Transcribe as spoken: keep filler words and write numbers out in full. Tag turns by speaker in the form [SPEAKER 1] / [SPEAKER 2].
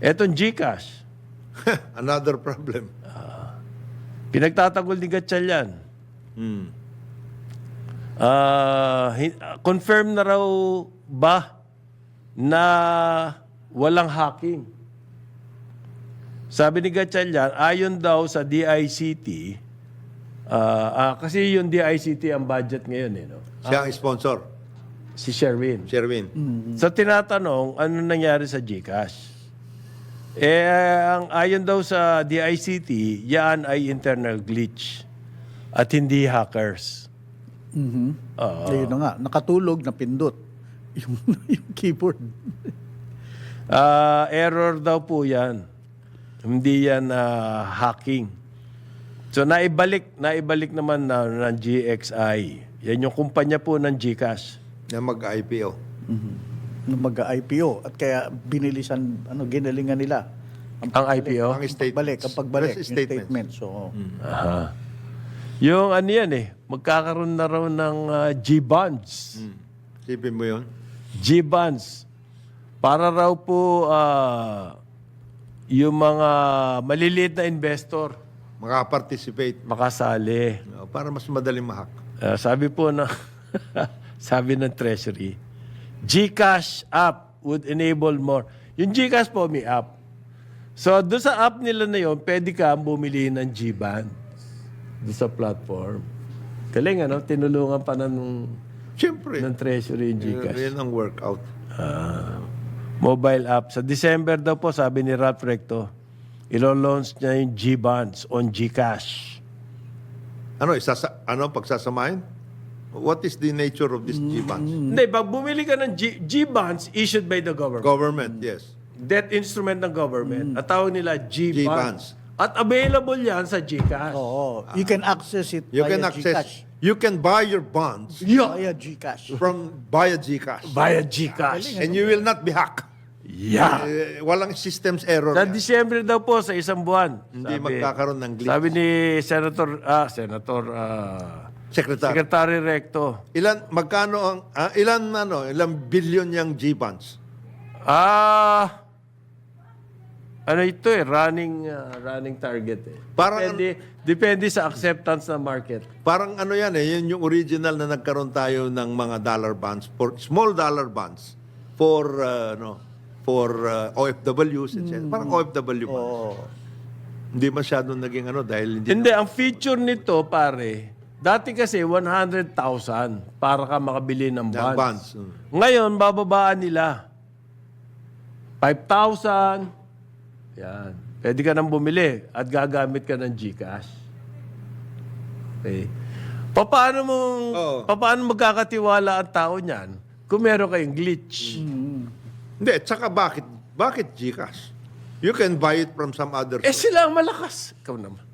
[SPEAKER 1] Etong GCash,
[SPEAKER 2] Another problem.
[SPEAKER 1] pinagtatanggol ni Gatchalian.
[SPEAKER 2] Hmm.
[SPEAKER 1] Ah, hin- confirm na raw ba na walang hacking? Sabi ni Gatchalian, ayon daw sa D I C T, ah, ah, kasi yung D I C T ang budget ngayon, eh, no?
[SPEAKER 2] Siya ang sponsor,
[SPEAKER 1] Si Sherwin.
[SPEAKER 2] Sherwin.
[SPEAKER 1] So tinatanong, ano nangyari sa GCash? Eh, ang ayon daw sa D I C T, yan ay internal glitch at hindi hackers.
[SPEAKER 3] Mhm. Ayun na nga, nakatulog, napindot yung, yung keyboard.
[SPEAKER 1] Ah, error daw po yan. Hindi yan ah, hacking. So naibalik, naibalik naman na ng G X I. Yan yung kumpanya po ng GCash.
[SPEAKER 2] Na mag-I P O.
[SPEAKER 3] Nung mag-I P O at kaya binilisan, ano, ginalingan nila.
[SPEAKER 1] Ang I P O?
[SPEAKER 2] Ang statements.
[SPEAKER 3] Balik, ang pagbalik,
[SPEAKER 2] Yes,
[SPEAKER 3] yung statement. So,
[SPEAKER 1] Aha. Yung ano yan eh, magkakaroon na raw ng ah, G-bonds.
[SPEAKER 2] Hmm. Sipin mo yun?
[SPEAKER 1] G-bonds. Para raw po ah, yung mga maliliit na investor
[SPEAKER 2] Makaparticipate.
[SPEAKER 1] makasali.
[SPEAKER 2] Uh, para mas madaling mahak.
[SPEAKER 1] Ah, sabi po na sabi ng Treasury, GCash app would enable more. Yung GCash po may app. So doon sa app nila na yon, pwede ka bumili ng G-band doon sa platform. Galing ano, tinulungan pa na nung,
[SPEAKER 2] Siyempre.
[SPEAKER 1] ng Treasury yung GCash.
[SPEAKER 2] Yan ang workout.
[SPEAKER 1] Ah, mobile app. Sa December daw po, sabi ni Ralph Recto, ilo-launch niya yung G-bonds on GCash.
[SPEAKER 2] Ano, isasa, ano, pagsasamahin? What is the nature of this G-bonds?
[SPEAKER 1] Hindi, pag bumili ka ng G- G-bonds issued by the government,
[SPEAKER 2] Government, yes.
[SPEAKER 1] debt instrument ng government, at tawag nila G-bonds.
[SPEAKER 2] G-bonds.
[SPEAKER 1] At available yan sa GCash.
[SPEAKER 3] oo. You can access it
[SPEAKER 2] You
[SPEAKER 3] via
[SPEAKER 2] can access,
[SPEAKER 3] GCash.
[SPEAKER 2] you can buy your bonds
[SPEAKER 1] Yeah.
[SPEAKER 3] Via GCash.
[SPEAKER 2] from via GCash.
[SPEAKER 1] Via GCash.
[SPEAKER 2] And you will not be hacked.
[SPEAKER 1] Yeah.
[SPEAKER 2] Eh, walang systems error.
[SPEAKER 1] Sa
[SPEAKER 2] yan.
[SPEAKER 1] Disyembre daw po, sa isang buwan.
[SPEAKER 2] Hindi magkakaroon ng glitch.
[SPEAKER 1] Sabi ni Senator, ah, Senator, ah,
[SPEAKER 2] Secretary.
[SPEAKER 1] Secretary Recto,
[SPEAKER 2] Ilan, magkano ang, ah, ilan, ano, ilang billion yung G-bonds?
[SPEAKER 1] ah, ano ito eh, running, ah, running target eh.
[SPEAKER 2] Parang-
[SPEAKER 1] depende, depende sa acceptance ng market.
[SPEAKER 2] Parang ano yan eh, yun yung original na nagkaroon tayo ng mga dollar bonds, for small dollar bonds, for, uh, no, for uh, O F Ws, et cetera. Parang O F W bonds.
[SPEAKER 3] Oo.
[SPEAKER 2] Hindi masyadong naging ano dahil hindi.
[SPEAKER 1] Hindi, ang feature nito, pare, dati kasi one hundred thousand para ka makabili ng bonds.
[SPEAKER 2] Ng bonds. Mm.
[SPEAKER 1] Ngayon, bababaan nila. five thousand. Yan. Pwede ka nang bumili at gagamit ka ng GCash. Okay. Paano mo
[SPEAKER 2] Oo.
[SPEAKER 1] paano magkakatiwala ang tao niyan kung meron kayong glitch?
[SPEAKER 2] Hindi, tsaka bakit, bakit Gcash? You can buy it from some other
[SPEAKER 1] Eh sila ang malakas. Ikaw naman.